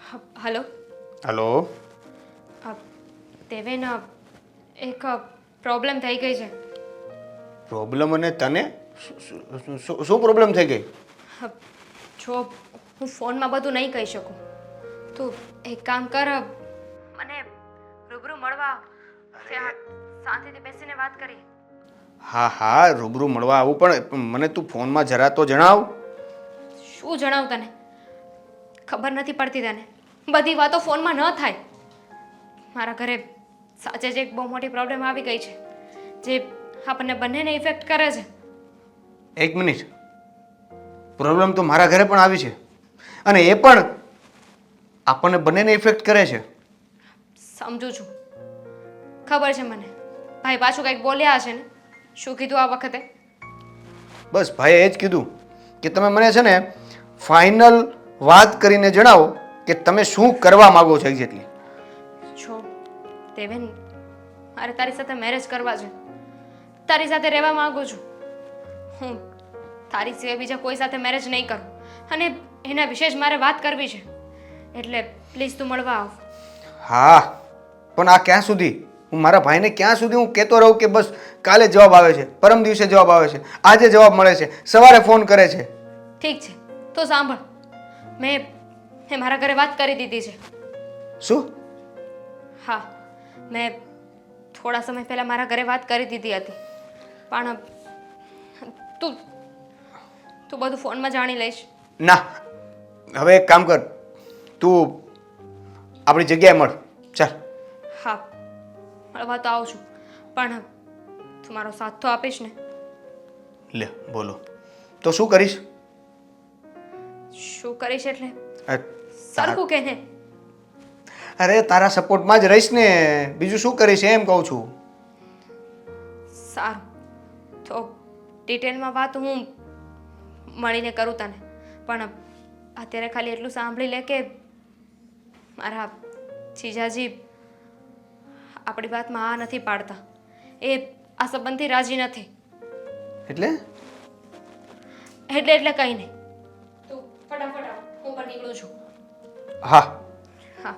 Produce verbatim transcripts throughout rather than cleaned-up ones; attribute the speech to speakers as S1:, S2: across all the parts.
S1: Hello
S2: hello.
S1: Deven, એક problem થઈ ગઈ છે.
S2: પ્રોબ્લેમ અને તને શું શું- શું પ્રોબ્લેમ થઈ ગઈ?
S1: જો હું ફોનમાં બધું નહીં કહી શકું, તું એક કામ કર, મને રૂબરૂ મળવા ત્યાં શાંતિથી બેસીને વાત કરી.
S2: હા હા રૂબરૂ મળવા આવું, પણ મને તું ફોનમાં જરા તો જણાવ.
S1: શું જણાવું તને? ખબર નથી પડતી તને? બધી વાતો ફોનમાં ન થાય. મારા ઘરે સાચે જ એક બહુ મોટી પ્રોબ્લેમ આવી ગઈ છે, જે આપણને બંનેને ઇફેક્ટ કરે છે.
S2: એક મિનિટ. પ્રોબ્લેમ તો મારા ઘરે પણ આવી છે, અને એ પણ આપણને બંનેને ઇફેક્ટ કરે છે.
S1: સમજુ છું, ખબર છે મને. ભાઈ પાછું કંઈક બોલ્યા હશે ને? શું કીધું આ વખતે?
S2: બસ ભાઈએ એ જ કીધું કે તમે મને છે ને ફાઇનલ વાત કરીને જણાવો કે તમે શું કરવા માગો છો એક્ઝેક્ટલી.
S1: છો દેવેન, મારે તારી સાથે મેરેજ કરવા છે. તારી સાથે રહેવા માંગુ છું. હું તારી સિવાય બીજા કોઈ સાથે મેરેજ નહીં કરું, અને એના વિશે જ મારે વાત કરવી છે. એટલે પ્લીઝ તું મળવા આવ.
S2: હા, પણ આ ક્યાં સુધી? હું મારા ભાઈને ક્યાં સુધી હું કહેતો રહું કે બસ કાલે જવાબ આવે છે, પરમ દિવસે જવાબ આવે છે, આજે જવાબ મળે છે, સવારે ફોન કરે છે.
S1: ઠીક છે, તો સાંભળ. મેં મેં મારા ઘરે વાત કરી દીધી છે.
S2: શું?
S1: હા, મેં થોડા સમય પહેલાં મારા ઘરે વાત કરી દીધી હતી, પણ તું તું બધું ફોનમાં જાણી લઈશ.
S2: ના, હવે એક કામ કર, તું આપણી જગ્યાએ મળ. ચાલ.
S1: હા, મળવા તો આવું છું, પણ તું મારો સાથ તો આપીશ ને?
S2: લે બોલો, તો શું કરીશ?
S1: શું કરીશ એટલે
S2: અ, તાર-
S1: સરખું કે ને?
S2: અરે તારા સપોર્ટમાં જ રહીશ ને, બીજું શું કરીશ એમ કહું છું.
S1: સારું, તો ડિટેલમાં વાત હું મળીને કરું તને, પણ અત્યારે ખાલી એટલું સાંભળી લે કે મારા જીજાજી આપણી વાતમાં આ નથી પાડતા. એ આ સંબંધથી રાજી નથી.
S2: એટલે?
S1: એટલે એટલે કંઈ નહીં. તું ફટાફટ આવ, હું પણ નીકળું છું.
S2: હા.
S1: હા.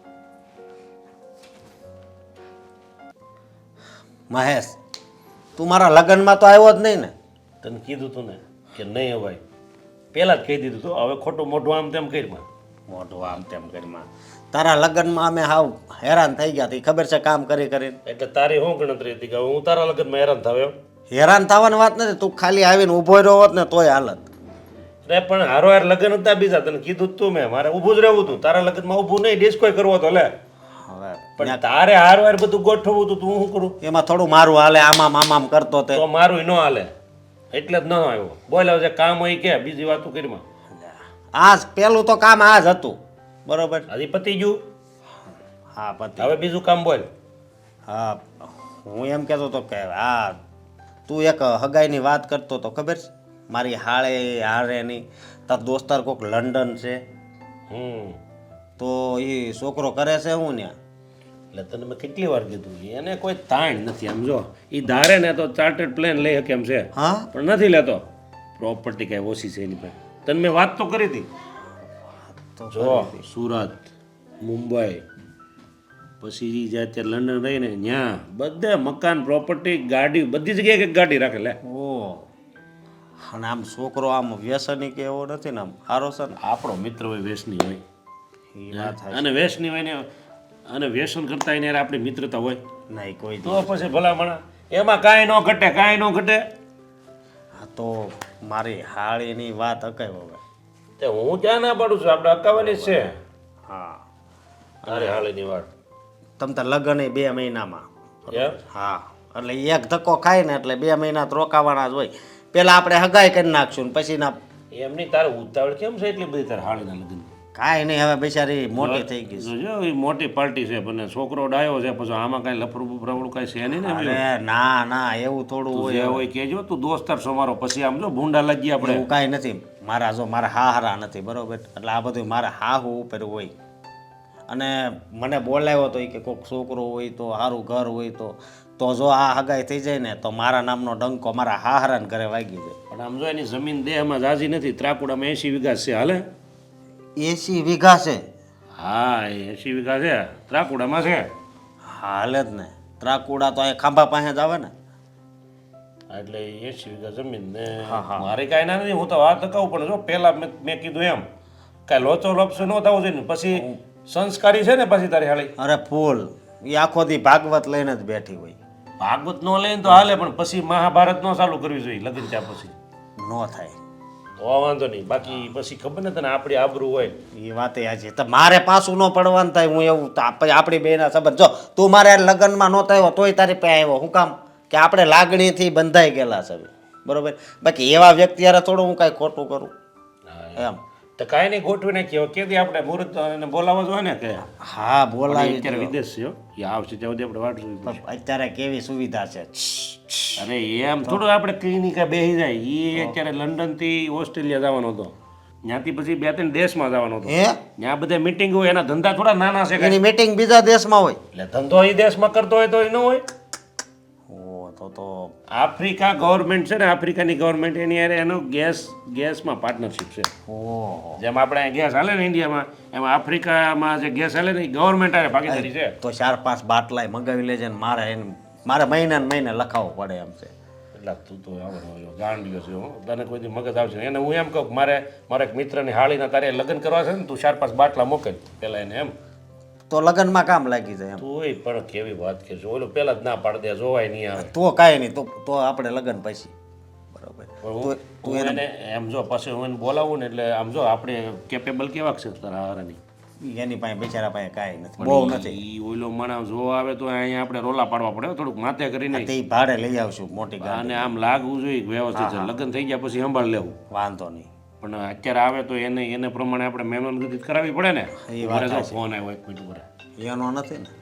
S3: મહેશ, તું મારા લગ્નમાં તો આવ્યો જ નહીં ને?
S4: તને કીધું તું ને કે નહીં અવાય, પહેલાં જ કહી દીધું તું. હવે ખોટું મોઢું આમ તેમ કરીમાં
S3: મોઢું આમ તેમ કરીમાં તારા લગ્નમાં અમે હાવ હેરાન થઈ ગયા હતી, ખબર છે, કામ કરી કરીને.
S4: એટલે તારી શું ગણતરી હતી કે હું તારા લગ્નમાં હેરાન થયો?
S3: હેરાન થવાની વાત નથી, તું ખાલી આવીને ઊભો રહ્યો હોત ને તોય હાલત.
S4: અરે પણ હારો હાર લગ્ન હતા બીજા, તને કીધું જ તું મેં, મારે ઊભું જ રહેવું હતું. તારા લગ્નમાં ઊભું નહીં, ડિસ્કોય કરવો તો લે.
S3: હવે
S4: પણ તારે હાર વાર બધું ગોઠવવું હતું, તું શું કરું?
S3: એમાં થોડું મારું હાલે, આમામ આમામ કરતો તે.
S4: તો મારું ન હાલે, એટલે જ ન આવ્યો. બોલ હવે જે કામ હોય કે બીજી વાતો કરીમાં.
S3: આ પેલું તો કામ આ જ હતું, બરોબર?
S4: હજી પતી ગયું,
S3: હા પતિ.
S4: હવે બીજું કામ બોલ.
S3: હા, હું એમ કહેતો હતો કે આ તું એક હગાઈની વાત કરતો તો, ખબર છે? મારી હાળે હારેની તાર દોસ્તાર કોક લંડન છે,
S4: હમ
S3: તો એ છોકરો કરે છે હું ને.
S4: એટલે તને મેં કેટલી વાર કીધું, એને કોઈ તાણ નથી. આમ જો એ ધારે ને તો ચાર્ટર્ડ પ્લેન લઈ શકે એમ છે,
S3: હા,
S4: પણ નથી લેતો. પ્રોપર્ટી કાંઈ ઓછી છે એની પાસે. તને મેં વાત તો કરી હતી.
S3: તો
S4: જો સુરત, મુંબઈ, પછી જે અત્યારે લંડન રહીને ત્યાં બધે મકાન, પ્રોપર્ટી, ગાડી, બધી જગ્યાએ એક ગાડી રાખે લે.
S3: ઓ, અને આમ છોકરો આમ વ્યસની કે એવો નથી ને, આમ સારો છે ને?
S4: આપણો મિત્ર હોય, વ્યસની હોય,
S3: એ વાત થાય
S4: અને વ્યસની હોય ને, અને વ્યસન કરતા એને યાર આપણી મિત્રતા હોય
S3: નહીં કોઈ
S4: તો પછી ભલામણા એમાં કાંઈ ન ઘટે, કાંઈ ન ઘટે.
S3: હા, તો મારી હાળીની વાત અકાય હવે.
S4: તે હું ક્યાં ના પાડું છું, આપણે અકાવાની જ છે.
S3: હા,
S4: તારે હાલીની વાત
S3: તમ તાર લગ્ન એ બે મહિનામાં.
S4: એમ?
S3: હા, એટલે એક ધક્કો ખાય ને એટલે બે મહિના તો રોકાવાના જ હોય. પેલા આપણે હગાઈ કરી નાખશું ને પછી ના.
S4: એમ નહીં, તારે ઉતાવળ કેમ છે એટલી બધી તારે હાલીના લગ્ન?
S3: કાંઈ નહીં, હવે બિચારી મોટી થઈ ગઈ છે.
S4: જો એ મોટી પાર્ટી છે, પણ છોકરો ડાયો છે, પછી આમાં કાંઈ લફરું બફરાવડું કાંઈ છે નહીં ને એમ.
S3: અરે ના ના, એવું થોડું
S4: તું
S3: હોય.
S4: જે હોય કહેજો, તું દોસ્તાર છો મારો, પછી આમ જો ભૂંડા લાગીએ આપણે.
S3: એવું કાંઈ નથી. મારા જો મારા હાહરા નથી, બરોબર? એટલે આ બધું મારા હાહુ ઉપર હોય. અને મને બોલાવ્યો તો એ કે કોઈક છોકરો હોય તો સારું ઘર હોય તો તો જો આ હગાઈ થઈ જાય ને તો મારા નામનો ડંકો મારા હાહરાને ઘરે વાગી જાય.
S4: પણ આમ જો એની જમીન દેહમાં જાજી નથી, ત્રાકુડામાં એસી વીઘા છે, હાલે?
S3: એસી વીઘા છે?
S4: હા એ એસી વીઘા છે ત્રાકુડામાં છે.
S3: હાલે જ ને ત્રાકુડા તો અહીંયા ખાંભા પાસે જ આવે ને.
S4: એટલે એસી વીઘા જમીન ને મારે કાંઈ ના નથી. હું તો વાત કહું પણ જો પહેલા મેં મેં કીધું એમ કાંઈ લોચો લોપસો ન થવો જોઈએ ને. પછી સંસ્કારી છે ને પછી તારી હાળી
S3: અરે ફૂલ એ આખો દી ભાગવત લઈને જ બેઠી હોય.
S4: ભાગવત નો લઈને તો હાલે પણ પછી મહાભારત નો ચાલુ કરવી જોઈએ લગ્ન ત્યાં પછી
S3: ન થાય
S4: તો વાંધો નહીં. બાકી પછી ખબર ને તને આપણી આબરૂ હોય.
S3: એ વાત છે તો મારે પાછું ન પડવાનું થાય. હું એવું તો આપ- આપણી બેના સંબંધ જો તું મારે હારે લગ્નમાં નહોતો આવ્યો તોય તારી પાસે આવ્યો. હું કામ કે આપણે લાગણીથી બંધાઈ ગયેલા છે બરોબર. બાકી એવા વ્યક્તિ યાર થોડું હું કાંઈ ખોટું કરું એમ.
S4: તો કાંઈ નહીં ગોઠવી નાખીએ. હવે કેદી આપણે મુહૂર્ત એને બોલાવવા જોઈએ ને કે
S3: હા બોલાવી
S4: અત્યારે
S3: દ્યો.
S4: વિદેશ છે હો. એ આવશે ત્યાં સુધી આપણે વાટ જોવી પડશે.
S3: પણ અત્યારે કેવી સુવિધા છે.
S4: અરે એમ થોડું આપણે કઈ નહીં કાંઈ બેસી જાય. એ અત્યારે લંડન થી ઓસ્ટ્રેલિયા જવાનો હતો. ત્યાંથી પછી બે ત્રણ દેશમાં જવાનો હતો.
S3: હે
S4: ત્યાં બધા મીટિંગ હોય એના ધંધા થોડા નાના છે કાંઈ.
S3: એની મીટિંગ બીજા દેશમાં હોય.
S4: એટલે ધંધો એ દેશમાં કરતો હોય તો એ ન હોય.
S3: ઓ તો તો
S4: આફ્રિકા ગવર્મેન્ટ છે ને આફ્રિકાની ગવર્મેન્ટ એની હારે એનો ગેસ ગેસમાં પાર્ટનરશિપ છે.
S3: ઓહો
S4: જેમ આપણે અહીંયા ગેસ હાલે ને ઇન્ડિયામાં એમાં આફ્રિકામાં જે ગેસ હાલે ને એ ગવર્મેન્ટ હારે ભાગીદારી છે.
S3: તો ચાર પાંચ બાટલાય મંગાવી લેજે ને મારે એને મારે મહિને ને મહિને લખાવવો પડે એમ છે.
S4: એટલે તું તો આવડો ગાંડિયો છે હો. તને કોઈ દી મગજ આવશે એને હું એમ કહું કે મારે મારા એક મિત્રની હાળીના તારે લગ્ન કરવા છે ને તું ચાર પાંચ બાટલા મોકલ પહેલા એને એમ.
S3: તો લગ્નમાં કામ લાગી જાય એમ.
S4: તું પણ કેવી વાત કે છે ઓલો પહેલા જ ના પાડી દે જોવાય નહીં આવે.
S3: તો કાંઈ નહીં તો તો આપણે લગ્ન પછી બરોબર.
S4: પણ હું હું એને એમ જો પછી હું એને બોલાવું ને એટલે આમ જો આપણે કેપેબલ કેવા છે તારા હારાની.
S3: એની પાસે બિચારા પાસે કાંઈ નથી બહુ નથી.
S4: ઈ ઓલો માણસ જો આવે તો અહીંયા આપણે રોલા પાડવા પડે હો, થોડુંક માથે કરીને.
S3: તે ભાડે લઈ આવશું મોટી ગાડી.
S4: અને આમ લાગવું જોઈએ કે વ્યવસ્થિત છે. લગ્ન થઈ ગયા પછી સંભાળ લેવું.
S3: વાંધો નહીં.
S4: પણ અત્યારે આવે તો એને એને પ્રમાણે આપણે મહેમાનગતિ કરાવવી પડે ને.
S3: એ વાત
S4: મારે જો
S3: સાચી.
S4: ફોન આવ્યો એક મિનિટ ઉપર.
S3: એનો નથી ને.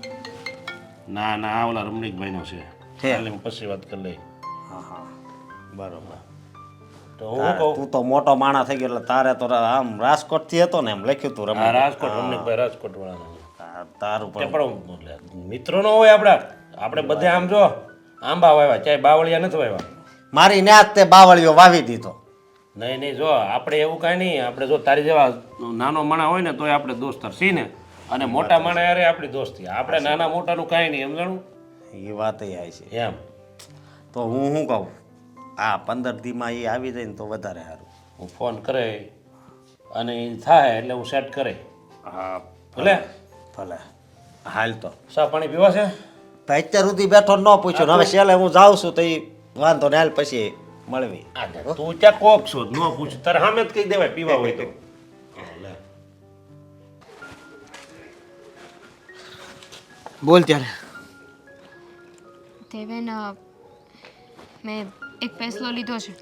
S4: ના ના આ ઓલા રમણીકભાઈનો છે.
S3: છે.
S4: એટલે હું પછી વાત કરી લઈ.
S3: હા હા બરોબર.
S4: તો હું કહું
S3: તું તો મોટો માણસ થઈ ગયો એટલે તારે તો આમ રાજકોટથી હતો ને એમ લખ્યું તું
S4: આ
S3: રમણ.
S4: રાજકોટ રમણીકભાઈ રાજકોટ વાળાનો.
S3: તાર- તારું
S4: તે
S3: પણ
S4: પણ એટલે મિત્રો નો હોય આપણા. આપણે બધે આમ જો આંબા વાવ્યા ચાહે બાવળિયા નથી વાવ્યા.
S3: મારી ન્યાજ તે બાવળીઓ વાવી દીધો.
S4: નહીં નહીં જો આપણે એવું કાંઈ નહીં. આપણે જો તારી જેવા નાનો માણા હોય ને તોય આપણે દોસ્તાર છીએ ને. અને મોટા માણા યારે આપણી દોસ્તી. આપણે નાના મોટાનું કાંઈ નહીં સમજાણું
S3: એ વાત એ છે.
S4: એમ.
S3: તો હું શું કહું આ પંદર દીમાં એ આવી જાય ને તો વધારે સારું.
S4: હું ફોન કરે અને એ થાય એટલે હું સેટ કરે.
S3: હા
S4: ભલે
S3: ભલે હાલ તો
S4: સા પાણી પીવા છે.
S3: તો અત્યાર સુધી બેઠો ન પૂછ્યો ને હવે છેલ્લે હું જાઉં છું તો એ વાંધો ને હાલ પછી મળવી.
S4: આ તું ત્યાં કોક છો ન પૂછ તારે સામે જ કહી દેવાય પીવા હોય તો. લે.
S2: બોલ ત્યારે.
S1: દેવેન અ, મેં એક ફેસલો લીધો છે.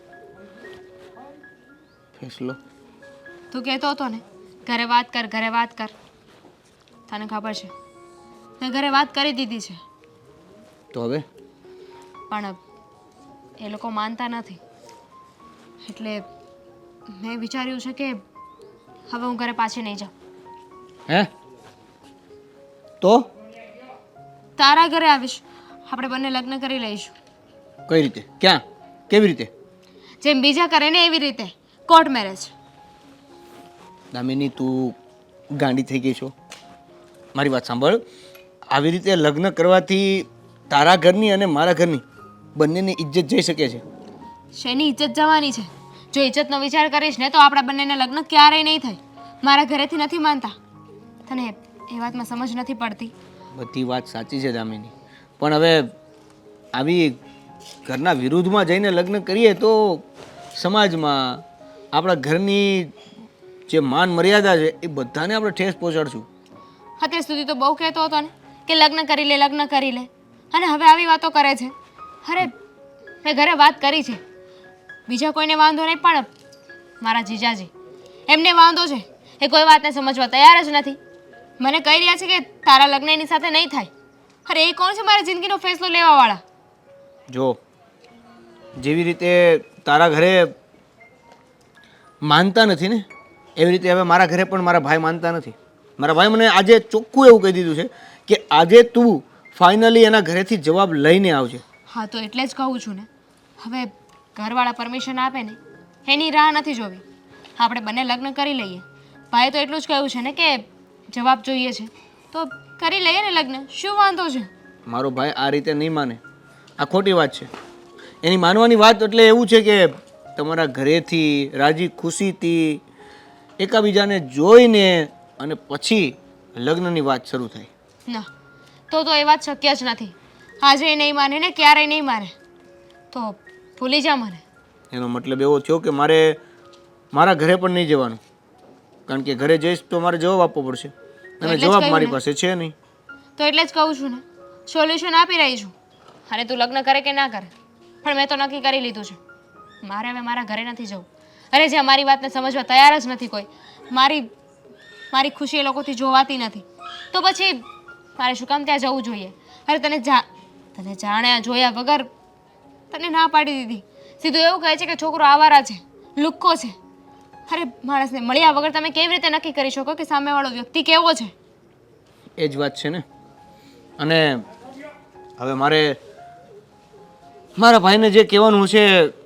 S2: ફેસલો
S1: તું કહેતો હતો ને ઘરે વાત કર ઘરે વાત કર. તને ખબર છે મેં ઘરે વાત કરી દીધી છે
S2: તો હવે
S1: પણ એ લોકો માનતા નથી. એટલે મેં વિચાર્યું છે કે હવે હું ઘરે પાછી નહીં જાઉં.
S2: હે તો
S1: તારા ઘરે આવીશ. આપણે બંને લગ્ન કરી લઈશું.
S2: કઈ રીતે ક્યાં કેવી રીતે?
S1: જેમ બીજા કરે ને એવી રીતે કોર્ટ મેરેજ.
S2: દામિની તું ગાંડી થઈ ગઈ છો. મારી વાત સાંભળ. આવી રીતે લગ્ન કરવાથી તારા ઘરની અને મારા ઘરની બંનેની ઇજ્જત જઈ શકે છે.
S1: શેની ઇજ્જત જવાની છે? જો ઇજ્જતનો વિચાર કરીશ ને તો આપણા બંનેને લગ્ન ક્યારેય નહીં થાય. મારા ઘરેથી નથી માનતા. તને એ વાતમાં સમજ નથી પડતી.
S2: બધી વાત સાચી છે દામિની, પણ હવે આવી ઘરના વિરુદ્ધમાં જઈને લગ્ન કરીએ તો સમાજમાં આપણા ઘરની જે માન મર્યાદા છે એ બધાને આપણે ઠેસ પહોંચાડશું.
S1: અત્યાર સુધી તો બહુ કહેતો હતો ને કે લગ્ન કરી લે લગ્ન કરી લે, અને હવે આવી વાતો કરે છે. અરે મેં ઘરે વાત કરી છે. બીજા કોઈને વાંધો નહીં પણ મારા જીજાજી એમને વાંધો છે. એ કોઈ વાતને સમજવા તૈયાર જ નથી. મને કહી રહ્યા છે કે તારા લગ્ન એની સાથે નહીં થાય. અરે એ કોણ છે મારી જિંદગીનો ફેસલો લેવાવાળા?
S2: જો જેવી રીતે તારા ઘરે માનતા નથી ને એવી રીતે હવે મારા ઘરે પણ મારા ભાઈ માનતા નથી. મારા ભાઈ મને આજે ચોખ્ખું એવું કહી દીધું છે કે આજે તું ફાઇનલી એના ઘરેથી જવાબ લઈને આવજે.
S1: હા તો એટલે જ કહું છું ને, હવે ઘરવાળા પરમિશન આપે ને એની રાહ નથી જોવી. આપણે બંને લગ્ન કરી લઈએ. ભાઈ તો એટલું જ કહ્યું છે ને કે જવાબ જોઈએ છે તો કરી લઈએ ને લગ્ન, શું વાંધો છે?
S2: મારો ભાઈ આ રીતે નહીં માને, આ ખોટી વાત છે. એની માનવાની વાત એટલે એવું છે કે તમારા ઘરેથી રાજી ખુશીથી એકાબીજાને જોઈને અને પછી લગ્નની વાત શરૂ થાય.
S1: ના, તો તો એ વાત શક્ય જ નથી. આજે નહીં માને ને ક્યારેય નહીં માને, તો ભૂલી જા મને.
S2: એનો મતલબ એવો થયો કે મારે મારા ઘરે પણ નહીં જવાનું, કારણ કે ઘરે જઈશ તો મારે જવાબ આપવો પડશે અને
S1: એટલે જ
S2: જવાબ
S1: કહ્યું
S2: મારી
S1: ને.
S2: પાસે છે નહીં.
S1: તો એટલે જ કહું છું ને, સોલ્યુશન આપી રહી છું. અને તું લગ્ન કરે કે ના કરે, પણ મેં તો નક્કી કરી લીધું છે. મારે હવે મારા ઘરે નથી જવું. અરે જે મારી વાતને સમજવા તૈયાર જ નથી કોઈ, મારી મારી ખુશી એ લોકોથી જોવાતી નથી, તો પછી મારે શું કામ ત્યાં જવું જોઈએ? અરે તને જા તને જાણ્યા જોયા વગર તને ના પાડી દીધી. સીધું એવું કહે છે કે છોકરો આવારા છે, લુક્કો છે. અરે માણસને મળ્યા વગર તમે કેવી રીતે નક્કી કરી શકો કે સામેવાળો વ્યક્તિ કેવો છે?
S2: એ જ વાત છે ને. અને હવે મારે મારા ભાઈને જે કહેવાનું છે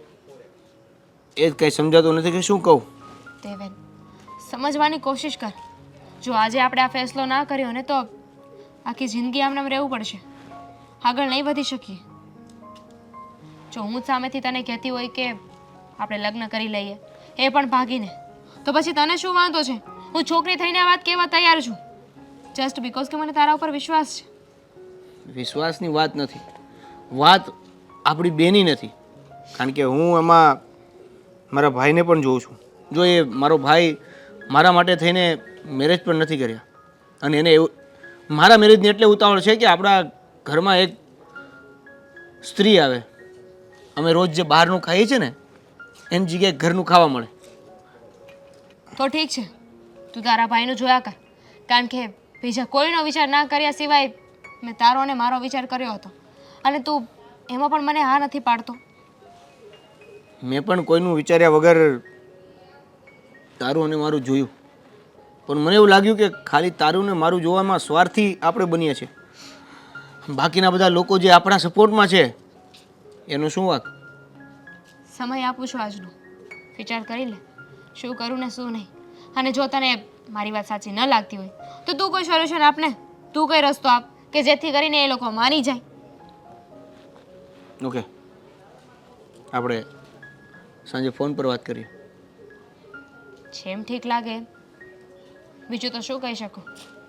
S2: એ જ કંઈ સમજાતું નથી કે શું કહું.
S1: દેવેન, સમજવાની કોશિશ કર. જો આજે આપણે આ ફેસલો ના કર્યો ને તો આખી જિંદગી આમ નામ રહેવું પડશે, આગળ નહીં વધી શકીએ. જો હું જ સામેથી તને કહેતી હોય કે આપણે લગ્ન કરી લઈએ, એ પણ ભાગીને, તો પછી તને શું વાંધો છે? હું છોકરી થઈને આ વાત કહેવા તૈયાર છું, જસ્ટ બીકોઝ કે મને તારા ઉપર વિશ્વાસ છે.
S2: વિશ્વાસની વાત નથી, વાત આપણી બેની નથી. કારણ કે હું એમાં મારા ભાઈને પણ જોઉં છું. જો એ મારો ભાઈ મારા માટે થઈને મેરેજ પણ નથી કર્યા, અને એને એવું મારા મેરેજની એટલે ઉતાવળ છે કે આપણા ઘરમાં એક સ્ત્રી આવે. અમે રોજ જે બહારનું ખાઈએ છીએ ને એની જગ્યાએ ઘરનું ખાવા મળે.
S1: તો ઠીક છે, તું તારા ભાઈનું જોયા કર, કારણ કે બીજા કોઈનો વિચાર ના કર્યા સિવાય મેં તારો અને મારો વિચાર કર્યો હતો, અને તું એમાં પણ મને હા નથી પાડતો.
S2: મેં પણ કોઈનું વિચાર્યા વગર તારું અને મારું જોયું, પણ મને એવું લાગ્યું કે ખાલી તારું ને મારું જોવામાં સ્વાર્થી આપણે બનીએ છીએ. બાકીના બધા લોકો જે આપણા સપોર્ટમાં છે એનું શું વાંક?
S1: સમય આપું છું આજનો, વિચાર કરી લે શું કરું ને શું નહીં. અને જો તને મારી વાત સાચી ન લાગતી હોય તો તું કોઈ સોલ્યુશન આપ ને, તું કોઈ રસ્તો આપ કે જેથી કરીને એ લોકો માની જાય.
S2: ઓકે, આપણે સાંજે ફોન પર વાત કરીએ.
S1: જેમ ઠીક લાગે, બીજું તો શું કહી શકું.